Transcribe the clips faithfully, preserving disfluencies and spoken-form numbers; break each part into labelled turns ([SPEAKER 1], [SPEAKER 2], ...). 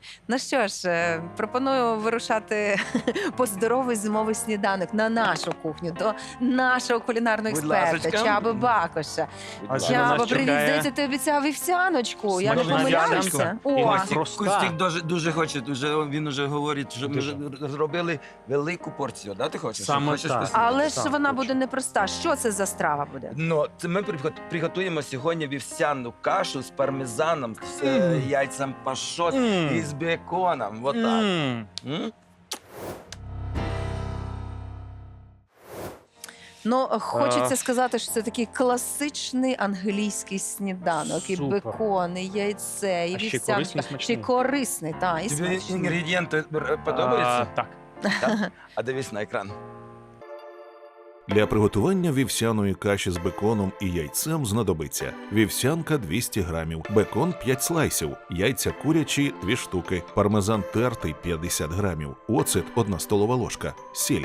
[SPEAKER 1] Ну що ж, е, пропоную вирушати по здоровий зимовий сніданок на нашу кухню, до нашого кулінарного
[SPEAKER 2] Будь
[SPEAKER 1] експерта
[SPEAKER 2] ласочка.
[SPEAKER 1] Чаби Бакоша.
[SPEAKER 3] А що
[SPEAKER 1] Чаба,
[SPEAKER 3] нас
[SPEAKER 1] привіт,
[SPEAKER 3] чекає?
[SPEAKER 1] здається, ти обіцяв вівсяночку. Я не
[SPEAKER 3] Смачна
[SPEAKER 1] помиляюся?
[SPEAKER 3] вівсянка. І
[SPEAKER 1] О,
[SPEAKER 3] ось
[SPEAKER 2] Костік,
[SPEAKER 3] проста.
[SPEAKER 2] Костік дуже, дуже хоче, дуже, він вже говорить, що ми
[SPEAKER 3] Дуже.
[SPEAKER 2] ж зробили велику порцію, да, ти хочеш?
[SPEAKER 3] Саме
[SPEAKER 2] Хочеш
[SPEAKER 3] так.
[SPEAKER 2] спасибо?
[SPEAKER 1] але ж
[SPEAKER 3] Так,
[SPEAKER 1] вона
[SPEAKER 3] точно.
[SPEAKER 1] буде непроста. Що це за страва буде?
[SPEAKER 2] Ну, це ми пригот- приготуємо сьогодні вівсяну кашу з пармезаном, з е,
[SPEAKER 3] Мм.
[SPEAKER 2] яйцем пашот
[SPEAKER 3] Мм.
[SPEAKER 2] і з беконом. Вот так.
[SPEAKER 3] М.
[SPEAKER 2] М?
[SPEAKER 1] Ну, хочеться
[SPEAKER 3] А.
[SPEAKER 1] сказати, що це такий класичний англійський сніданок. І
[SPEAKER 3] Супер.
[SPEAKER 1] бекон, і яйце, і
[SPEAKER 3] А ще
[SPEAKER 1] вівсяночка.
[SPEAKER 3] корисний,
[SPEAKER 1] Ще
[SPEAKER 3] смачний.
[SPEAKER 1] й корисний, так, і
[SPEAKER 2] Тобі
[SPEAKER 1] смачний.
[SPEAKER 2] інгредієнти е, подобаються?
[SPEAKER 3] А, так.
[SPEAKER 2] Так? А дивись на екран.
[SPEAKER 4] Для приготування вівсяної каші з беконом і яйцем знадобиться вівсянка двісті грамів, бекон п'ять слайсів, яйця курячі дві штуки, пармезан тертий п'ятдесят грамів, оцет одна столова ложка, сіль.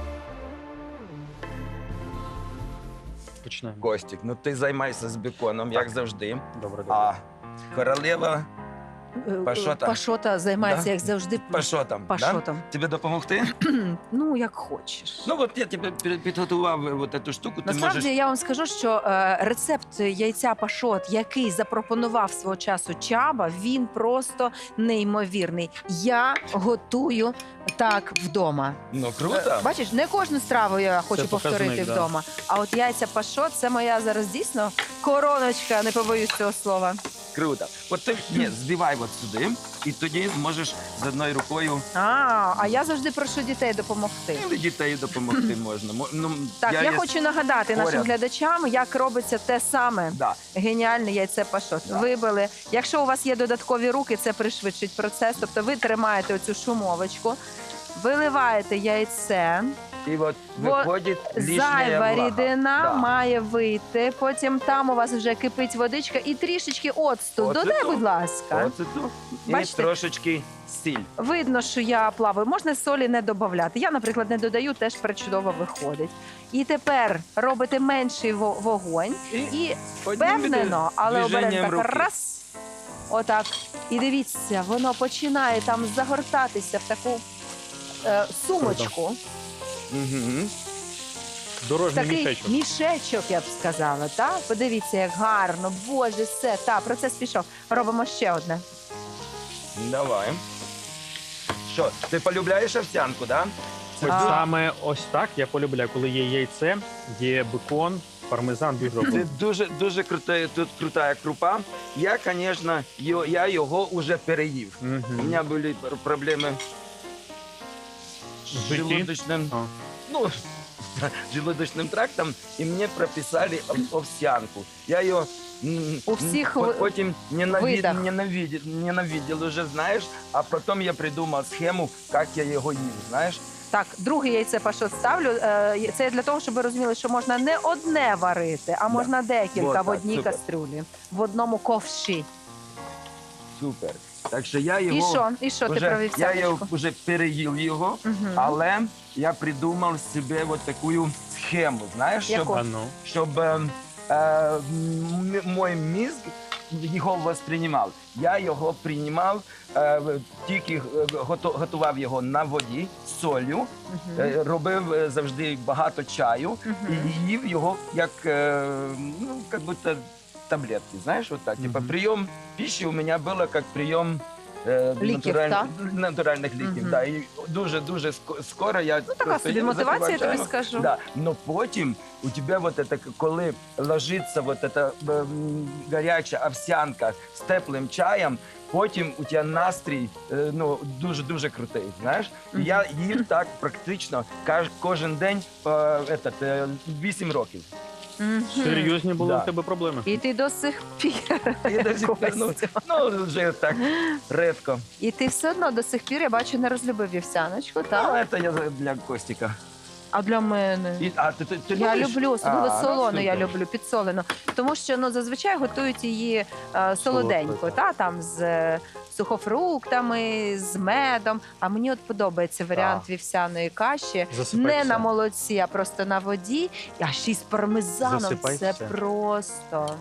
[SPEAKER 3] Починаємо.
[SPEAKER 2] Костік, ну ти займайся з беконом, як завжди.
[SPEAKER 3] Добре, добре.
[SPEAKER 2] А королева
[SPEAKER 1] Е,
[SPEAKER 2] Пашота.
[SPEAKER 1] Пашота займається,
[SPEAKER 2] Да?
[SPEAKER 1] як завжди,
[SPEAKER 2] пашотом.
[SPEAKER 1] пашотом.
[SPEAKER 2] Да? Тебе допомогти?
[SPEAKER 1] Ну, як хочеш.
[SPEAKER 2] Ну от я тебе пі- підготував е, от цю штуку. Ти
[SPEAKER 1] Насправді
[SPEAKER 2] можеш...
[SPEAKER 1] я вам скажу, що е, рецепт яйця пашот, який запропонував свого часу Чаба, він просто неймовірний. Я готую так вдома.
[SPEAKER 2] Ну круто.
[SPEAKER 1] Е, Бачиш, не кожну страву я хочу
[SPEAKER 3] показник,
[SPEAKER 1] повторити
[SPEAKER 3] да.
[SPEAKER 1] вдома. А от яйця пашот це моя зараз дійсно короночка, не побоюсь цього слова.
[SPEAKER 2] Круто. От ти ні, збивай от сюди, і тоді зможеш з одною рукою
[SPEAKER 1] А, а я завжди прошу дітей допомогти.
[SPEAKER 2] і дітей допомогти можна. Мо- Ну,
[SPEAKER 1] Так, я,
[SPEAKER 2] є-
[SPEAKER 1] хочу нагадати нашим
[SPEAKER 2] поряд.
[SPEAKER 1] глядачам, як робиться те саме.
[SPEAKER 2] Да.
[SPEAKER 1] Геніальне яйце пашот.
[SPEAKER 2] Да.
[SPEAKER 1] Вибили. Якщо у вас є додаткові руки, це пришвидшить процес. Тобто ви тримаєте оцю шумовочку, виливаєте яйце,
[SPEAKER 2] І от
[SPEAKER 1] Во-
[SPEAKER 2] виходить лишня
[SPEAKER 1] зайва
[SPEAKER 2] влага.
[SPEAKER 1] рідина
[SPEAKER 2] Да.
[SPEAKER 1] має вийти. Потім там у вас вже кипить водичка і трішечки оцту.
[SPEAKER 2] Оцету.
[SPEAKER 1] Додай, будь ласка.
[SPEAKER 2] Оце тут. І
[SPEAKER 1] Бачите?
[SPEAKER 2] трошечки сіль.
[SPEAKER 1] Видно, що я плаваю. Можна солі не додати. Я, наприклад, не додаю, теж причудово виходить. І тепер робите менший во- вогонь. І
[SPEAKER 2] одним
[SPEAKER 1] впевнено, але обережно
[SPEAKER 2] движенням
[SPEAKER 1] так
[SPEAKER 2] руки.
[SPEAKER 1] раз. Отак. І дивіться, воно починає там загортатися в таку е, сумочку.
[SPEAKER 2] Мгм.
[SPEAKER 3] Дорожній
[SPEAKER 1] Такий
[SPEAKER 3] мішечок.
[SPEAKER 1] мішечок, я б сказала. Та? Подивіться, як гарно. Боже, все. Та, процес пішов. Робимо ще одне.
[SPEAKER 2] Давай. Що, ти полюбляєш овсянку, да?
[SPEAKER 3] Ось
[SPEAKER 1] А.
[SPEAKER 3] саме ось так я полюбляю, коли є яйце, є бекон, пармезан, дуже
[SPEAKER 2] Це
[SPEAKER 3] обожнюю.
[SPEAKER 2] дуже дуже крута, тут крута крупа. Я, звісно, йо- я його вже переїв. У
[SPEAKER 3] Мгм.
[SPEAKER 2] мене були пр- проблеми з
[SPEAKER 3] В житті?
[SPEAKER 2] желудочним,
[SPEAKER 3] А.
[SPEAKER 2] ну, желудочним трактом, і мені прописали ов- овсянку. Я її м,
[SPEAKER 1] У всіх
[SPEAKER 2] м,
[SPEAKER 1] ви-
[SPEAKER 2] потім ненавид,
[SPEAKER 1] видах.
[SPEAKER 2] ненавидів, ненавидів уже, знаєш, а потім я придумав схему, як я його їв, знаєш.
[SPEAKER 1] Так, друге яйце пашот ставлю. Е, Це для того, щоб ви розуміли, що можна не одне варити, а можна декілька
[SPEAKER 2] Вот
[SPEAKER 1] в
[SPEAKER 2] так,
[SPEAKER 1] одній
[SPEAKER 2] супер.
[SPEAKER 1] кастрюлі, в одному ковші.
[SPEAKER 2] Супер. Так що я його...
[SPEAKER 1] І що? І що ти
[SPEAKER 2] Вже,
[SPEAKER 1] про
[SPEAKER 2] я його
[SPEAKER 1] вівсяночку?
[SPEAKER 2] вже переїв його,
[SPEAKER 1] Мгм.
[SPEAKER 2] але я придумав собі от таку схему, знаєш, щоб,
[SPEAKER 1] Яку?
[SPEAKER 3] А ну.
[SPEAKER 2] щоб е, е, м- мій мізк його восприймав. Я його приймав, е, тільки е, гото- готував його на воді з солью,
[SPEAKER 1] Мгм.
[SPEAKER 2] е, робив е, завжди багато чаю
[SPEAKER 1] Мгм.
[SPEAKER 2] і їв його як, е, ну, як будто таблетки, знаєш, вот так. Типа
[SPEAKER 3] Мгм.
[SPEAKER 2] прийом пищи у меня было как прийом е,
[SPEAKER 1] Ліків,
[SPEAKER 2] натураль-
[SPEAKER 1] так?
[SPEAKER 2] натуральних ліків.
[SPEAKER 1] Мгм.
[SPEAKER 2] Да. І дуже-дуже ско- скоро я
[SPEAKER 1] Ну, така собі мотивація, я тобі скажу.
[SPEAKER 2] Да. Но потім у тебе вот это, коли ложиться вот эта ем, гаряча овсянка з теплим чаєм, потім у тебе настрій е, ну, дуже-дуже крутий, знаєш? І
[SPEAKER 1] Мгм.
[SPEAKER 2] я їв так практично каж- кожен день е, этот, е, вісім років.
[SPEAKER 1] Мгм.
[SPEAKER 3] Серйозні були
[SPEAKER 2] Да.
[SPEAKER 3] у тебе проблеми.
[SPEAKER 1] І ти до сих пір.
[SPEAKER 2] І до сих пір, ну,
[SPEAKER 1] Костя.
[SPEAKER 2] ну, вже так рідко.
[SPEAKER 1] І ти все одно до сих пір, я бачу, не розлюбив вівсяночку, так?
[SPEAKER 2] Ну, це я за- для Костіка.
[SPEAKER 1] А для мене?
[SPEAKER 2] І, а, ти, ти, ти
[SPEAKER 1] Я
[SPEAKER 2] любиш?
[SPEAKER 1] люблю, особливо
[SPEAKER 2] А, ну,
[SPEAKER 1] солону, я
[SPEAKER 2] супер.
[SPEAKER 1] люблю, підсолену. Тому що ну, зазвичай готують її е, солоденько,
[SPEAKER 3] Солодко,
[SPEAKER 1] та, там, з е, сухофруктами, з медом. А мені от подобається варіант вівсяної каші.
[SPEAKER 3] Засипай
[SPEAKER 1] Не
[SPEAKER 3] все.
[SPEAKER 1] на молоці, а просто на воді, а ще й з пармезаном.
[SPEAKER 3] Засипай
[SPEAKER 1] Це
[SPEAKER 3] все.
[SPEAKER 1] просто.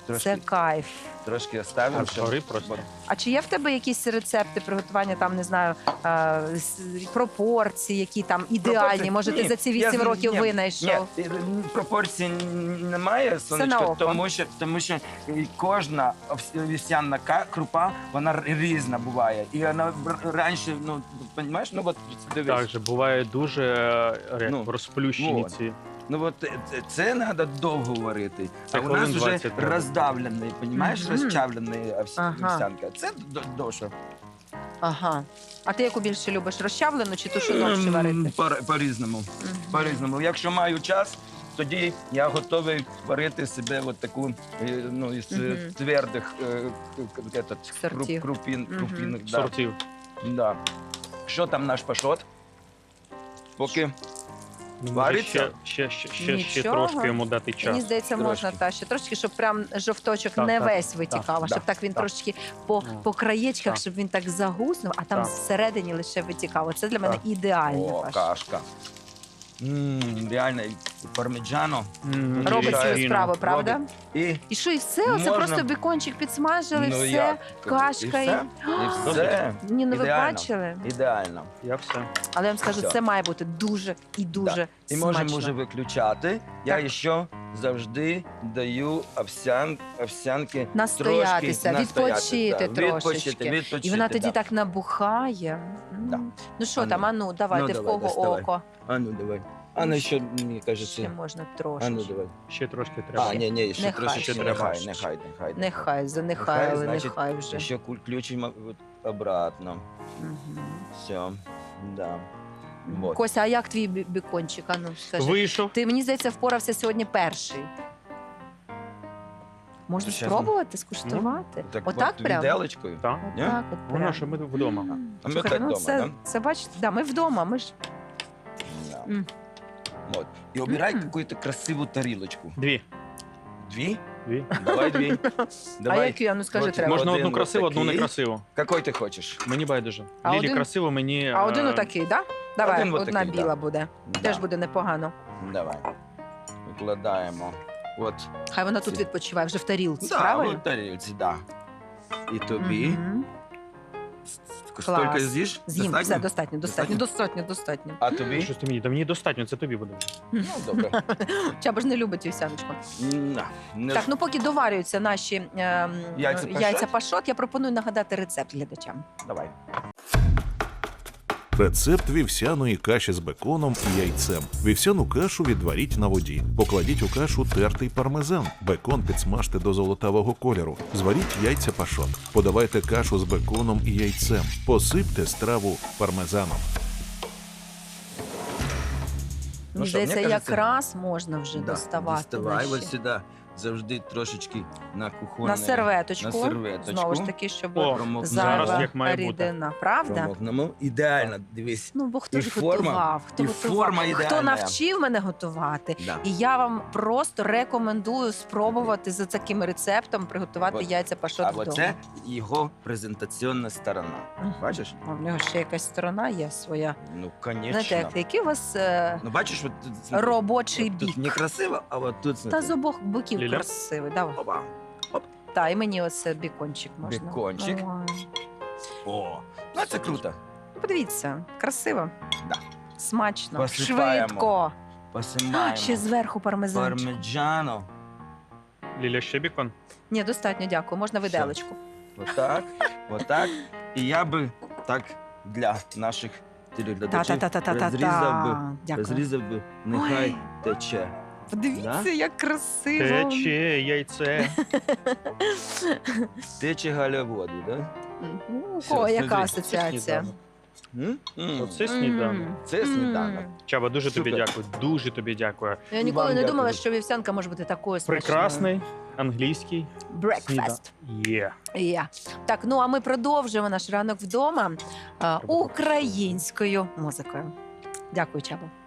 [SPEAKER 2] Трошки,
[SPEAKER 1] Це кайф.
[SPEAKER 2] трошки оставимо.
[SPEAKER 3] Аж гори просто.
[SPEAKER 1] А чи є в тебе якісь рецепти приготування, там, не знаю, е, с- пропорції, які там ідеальні?
[SPEAKER 2] Пропорції?
[SPEAKER 1] Може, ти
[SPEAKER 2] Ні,
[SPEAKER 1] за ці
[SPEAKER 2] я
[SPEAKER 1] вісім
[SPEAKER 2] з-
[SPEAKER 1] років
[SPEAKER 2] ні,
[SPEAKER 1] винайшов?
[SPEAKER 2] Ні, і- пропорцій н- немає,
[SPEAKER 1] на
[SPEAKER 2] сонечко,
[SPEAKER 1] око.
[SPEAKER 2] тому що, тому що і кожна овс- вівсяна ка- крупа, вона р- різна буває. І вона бр- раніше, ну, розумієш, ну от дивись.
[SPEAKER 3] Так же буває дуже е, як,
[SPEAKER 2] Ну,
[SPEAKER 3] розплющені
[SPEAKER 2] вот.
[SPEAKER 3] ці.
[SPEAKER 2] Ну от це, це треба довго варити.
[SPEAKER 3] Це
[SPEAKER 2] А у нас
[SPEAKER 3] хвилин
[SPEAKER 2] вже
[SPEAKER 3] двадцять треба.
[SPEAKER 2] роздавлений, розумієш,
[SPEAKER 1] Мгм.
[SPEAKER 2] розчавлений овс-
[SPEAKER 1] Ага.
[SPEAKER 2] вівсянка. Це д- довше.
[SPEAKER 1] Ага. А ти яку більше любиш? Розчавлену чи ту, що довше варити?
[SPEAKER 2] М, по- По-різному.
[SPEAKER 1] Мгм.
[SPEAKER 2] По-різному. Якщо маю час, тоді я готовий варити себе от таку е, ну, із е,
[SPEAKER 1] Мгм.
[SPEAKER 2] твердих е, к- этот,
[SPEAKER 1] Сортів.
[SPEAKER 2] круп- крупін,
[SPEAKER 1] Мгм.
[SPEAKER 2] крупінок. Да.
[SPEAKER 3] Сортів.
[SPEAKER 2] Да. Що там наш пашот? Поки
[SPEAKER 3] Ну, може,
[SPEAKER 2] Вариться?
[SPEAKER 3] Ще, ще, ще, ще, ще
[SPEAKER 1] Нічого.
[SPEAKER 3] трошки йому дати час.
[SPEAKER 1] Мені здається,
[SPEAKER 2] Трошки.
[SPEAKER 1] можна та ще трошки, щоб прям жовточок
[SPEAKER 3] Так,
[SPEAKER 1] не
[SPEAKER 3] так,
[SPEAKER 1] весь витікав, а
[SPEAKER 2] так,
[SPEAKER 1] щоб так він
[SPEAKER 3] так.
[SPEAKER 1] трошки по,
[SPEAKER 3] Ну,
[SPEAKER 1] по краєчках,
[SPEAKER 3] так.
[SPEAKER 1] щоб він так загуснув, а там
[SPEAKER 3] Так.
[SPEAKER 1] всередині лише витікав. Це для мене
[SPEAKER 3] Так.
[SPEAKER 1] ідеальна
[SPEAKER 2] о,
[SPEAKER 1] паш.
[SPEAKER 2] кашка. М, реально, і пармеджано.
[SPEAKER 3] М,
[SPEAKER 1] Робить
[SPEAKER 2] Звичайно.
[SPEAKER 1] свою справу, правда?
[SPEAKER 2] Робить. І,
[SPEAKER 1] І що, і все? Оце
[SPEAKER 2] Можна.
[SPEAKER 1] просто бекончик підсмажили,
[SPEAKER 2] ну,
[SPEAKER 1] все,
[SPEAKER 2] як?
[SPEAKER 1] кашка.
[SPEAKER 2] І все. І все.
[SPEAKER 1] Ні, ну ви
[SPEAKER 2] Ідеально.
[SPEAKER 1] бачили?
[SPEAKER 2] Ідеально.
[SPEAKER 3] Я все.
[SPEAKER 1] Але я вам скажу,
[SPEAKER 2] Все.
[SPEAKER 1] це має бути дуже і дуже
[SPEAKER 2] І
[SPEAKER 1] смачно.
[SPEAKER 2] можемо вже виключати. Я
[SPEAKER 1] Так.
[SPEAKER 2] ще завжди даю овсян, овсянки
[SPEAKER 1] Настоятися,
[SPEAKER 2] трошки
[SPEAKER 1] відпочити
[SPEAKER 2] да,
[SPEAKER 1] трошечки.
[SPEAKER 2] Відпочити, відпочити,
[SPEAKER 1] І вона тоді
[SPEAKER 2] да.
[SPEAKER 1] так набухає. М.
[SPEAKER 2] Да.
[SPEAKER 1] Ну що
[SPEAKER 2] А
[SPEAKER 1] там,
[SPEAKER 2] ну.
[SPEAKER 1] ану, давайте,
[SPEAKER 2] Ну,
[SPEAKER 1] в
[SPEAKER 2] давай,
[SPEAKER 1] кого
[SPEAKER 2] доставай.
[SPEAKER 1] око.
[SPEAKER 2] А ну давай. А ну ще, мені
[SPEAKER 1] Ще
[SPEAKER 2] кажеться.
[SPEAKER 1] можна
[SPEAKER 2] А
[SPEAKER 1] трошки.
[SPEAKER 2] ну давай.
[SPEAKER 3] Ще трошки треба.
[SPEAKER 2] А, ні, ні, ще
[SPEAKER 1] Нехай.
[SPEAKER 2] трошки.
[SPEAKER 3] Ще
[SPEAKER 2] Нехай,
[SPEAKER 3] треба.
[SPEAKER 2] нехай, нехай.
[SPEAKER 1] Нехай, занехай, але
[SPEAKER 2] значить,
[SPEAKER 1] нехай вже.
[SPEAKER 2] Ще куль- включимо от обратно.
[SPEAKER 1] Мгм.
[SPEAKER 2] Все, да.
[SPEAKER 1] Мгм.
[SPEAKER 2] Вот.
[SPEAKER 1] Костя, а як твій бі- бікончик? А ну, скажи.
[SPEAKER 3] Вийшов.
[SPEAKER 1] Ти, мені здається, впорався сьогодні перший. Можна
[SPEAKER 2] Щас,
[SPEAKER 1] спробувати, скуштувати? Отак
[SPEAKER 2] от
[SPEAKER 1] прям?
[SPEAKER 2] віделочкою.
[SPEAKER 3] Так.
[SPEAKER 2] Ні?
[SPEAKER 1] Отак от
[SPEAKER 3] Воно,
[SPEAKER 1] прям.
[SPEAKER 3] що ми вдома.
[SPEAKER 1] М.
[SPEAKER 2] А ми
[SPEAKER 1] Слухай,
[SPEAKER 2] так
[SPEAKER 1] ну,
[SPEAKER 2] вдома,
[SPEAKER 1] це,
[SPEAKER 2] да?
[SPEAKER 1] це бачите, да, ми вдома, ми ж
[SPEAKER 2] Да.
[SPEAKER 1] М.
[SPEAKER 2] Вот. И убирай
[SPEAKER 1] М.
[SPEAKER 2] какую-то красивую тарелочку.
[SPEAKER 3] Дві.
[SPEAKER 2] Две?
[SPEAKER 3] Дві.
[SPEAKER 2] Давай две.
[SPEAKER 1] А
[SPEAKER 2] Давай.
[SPEAKER 1] які, а ну скажи,
[SPEAKER 2] Вот
[SPEAKER 1] треба.
[SPEAKER 3] Можна
[SPEAKER 2] один
[SPEAKER 3] одну красиву, одну
[SPEAKER 2] отакий.
[SPEAKER 3] некрасиву.
[SPEAKER 2] Какой ты хочешь?
[SPEAKER 3] Мені байдуже.
[SPEAKER 1] А
[SPEAKER 3] Лілі
[SPEAKER 1] один-
[SPEAKER 3] красиво, мені.
[SPEAKER 1] А один
[SPEAKER 3] е,
[SPEAKER 1] отакий, так? Да? Давай,
[SPEAKER 2] Один
[SPEAKER 1] одна
[SPEAKER 2] отакий,
[SPEAKER 1] біла
[SPEAKER 2] да.
[SPEAKER 1] буде.
[SPEAKER 2] Да.
[SPEAKER 1] Теж буде непогано.
[SPEAKER 2] Давай. Викладаємо. От.
[SPEAKER 1] Хай вона тут
[SPEAKER 2] Ці.
[SPEAKER 1] відпочиває вже в тарілці,
[SPEAKER 2] Да,
[SPEAKER 1] правильно?
[SPEAKER 2] от тарілці, да. І тобі.
[SPEAKER 1] Мгм.
[SPEAKER 2] Столько
[SPEAKER 1] Клас.
[SPEAKER 2] з'їш?
[SPEAKER 1] З'їм,
[SPEAKER 2] Достатньо?
[SPEAKER 1] все, достатньо, достатньо, достатньо, достатньо.
[SPEAKER 2] А тобі?
[SPEAKER 3] Щось ти мені, та мені достатньо, це тобі буде.
[SPEAKER 2] Ну, добре.
[SPEAKER 1] Чаба ж не любить вівсяночку.
[SPEAKER 2] На, не-
[SPEAKER 1] Так, ну поки доварюються наші ем,
[SPEAKER 2] Яйця пашот?
[SPEAKER 1] яйця пашот, я пропоную нагадати рецепт глядачам.
[SPEAKER 2] Давай.
[SPEAKER 4] Рецепт вівсяної каші з беконом і яйцем. Вівсяну кашу відваріть на воді. Покладіть у кашу тертий пармезан. Бекон підсмажте до золотавого кольору. Зваріть яйця пашот. Подавайте кашу з беконом і яйцем. Посипте страву пармезаном.
[SPEAKER 2] Ну
[SPEAKER 1] Мені
[SPEAKER 2] що, мені
[SPEAKER 1] здається,
[SPEAKER 2] кажеться,
[SPEAKER 1] якраз можна вже
[SPEAKER 2] Да,
[SPEAKER 1] доставати.
[SPEAKER 2] Діставай
[SPEAKER 1] наші.
[SPEAKER 2] ось сюди. Завжди трошечки на кухонне.
[SPEAKER 1] На серветочку.
[SPEAKER 2] На серветочку.
[SPEAKER 1] Знову ж таки, щоб
[SPEAKER 3] О,
[SPEAKER 2] Промокнемо.
[SPEAKER 3] зараз
[SPEAKER 1] зайва
[SPEAKER 3] як має бути.
[SPEAKER 1] рідина. Правда?
[SPEAKER 2] Промокнемо. Ідеально, дивись.
[SPEAKER 1] Ну, бо хто
[SPEAKER 2] І
[SPEAKER 1] ж
[SPEAKER 2] форма,
[SPEAKER 1] готував? Хто
[SPEAKER 2] і
[SPEAKER 1] готував?
[SPEAKER 2] форма
[SPEAKER 1] Хто
[SPEAKER 2] ідеальна.
[SPEAKER 1] навчив мене готувати?
[SPEAKER 2] Да.
[SPEAKER 1] І я вам просто рекомендую спробувати за таким рецептом приготувати
[SPEAKER 2] От.
[SPEAKER 1] яйця пашот
[SPEAKER 2] А
[SPEAKER 1] вдома.
[SPEAKER 2] оце його презентаційна сторона.
[SPEAKER 1] Мгм.
[SPEAKER 2] Бачиш?
[SPEAKER 1] А в нього ще якась сторона є своя.
[SPEAKER 2] Ну,
[SPEAKER 1] Знаєте,
[SPEAKER 2] звісно.
[SPEAKER 1] як, який у вас е,
[SPEAKER 2] Ну, бачиш, от тут смотри,
[SPEAKER 1] робочий
[SPEAKER 2] от
[SPEAKER 1] бік.
[SPEAKER 2] Тут некрасиво, а от тут
[SPEAKER 1] Та
[SPEAKER 2] смотри.
[SPEAKER 1] з обох боків
[SPEAKER 3] Ліля?
[SPEAKER 1] красивий. Давай.
[SPEAKER 2] Опа.
[SPEAKER 1] Та, і мені оце бікончик можна.
[SPEAKER 2] Бікончик.
[SPEAKER 1] Ой.
[SPEAKER 2] О, ну це круто.
[SPEAKER 1] Ну, подивіться, красиво.
[SPEAKER 2] Да.
[SPEAKER 1] Смачно,
[SPEAKER 2] Посипаємо.
[SPEAKER 1] швидко.
[SPEAKER 2] Посимаємо.
[SPEAKER 1] Ще зверху пармезанчик.
[SPEAKER 2] Пармеджано.
[SPEAKER 3] Ліля, ще бікон?
[SPEAKER 1] Ні, достатньо, дякую. Можна
[SPEAKER 2] Все.
[SPEAKER 1] виделочку.
[SPEAKER 2] Отак, отак. І я би так для наших телеглядачів
[SPEAKER 1] Та-та-та-та-та-та.
[SPEAKER 2] розрізав би,
[SPEAKER 1] Дякую.
[SPEAKER 2] розрізав би, нехай
[SPEAKER 1] Ой.
[SPEAKER 2] тече.
[SPEAKER 1] Подивіться,
[SPEAKER 2] Да?
[SPEAKER 1] як красиво.
[SPEAKER 3] Тече, яйце.
[SPEAKER 2] Тече галя воду, да?
[SPEAKER 1] Ну, у
[SPEAKER 2] Все,
[SPEAKER 1] кого яка
[SPEAKER 2] смотри,
[SPEAKER 1] асоціація?
[SPEAKER 2] М? М.
[SPEAKER 3] Оце сніданок.
[SPEAKER 1] М.
[SPEAKER 2] Це сніданок.
[SPEAKER 1] М.
[SPEAKER 3] Чаба, дуже тобі
[SPEAKER 2] Супер.
[SPEAKER 3] дякую. Дуже тобі дякую.
[SPEAKER 1] Я
[SPEAKER 2] І
[SPEAKER 1] ніколи
[SPEAKER 2] вам
[SPEAKER 1] не
[SPEAKER 2] дякую.
[SPEAKER 1] думала, що вівсянка може бути такою смачною.
[SPEAKER 3] Прекрасний англійський
[SPEAKER 1] Breakfast.
[SPEAKER 3] Є.
[SPEAKER 1] Є. Так, ну а ми продовжуємо наш ранок вдома а, українською музикою. Дякую, Чабо.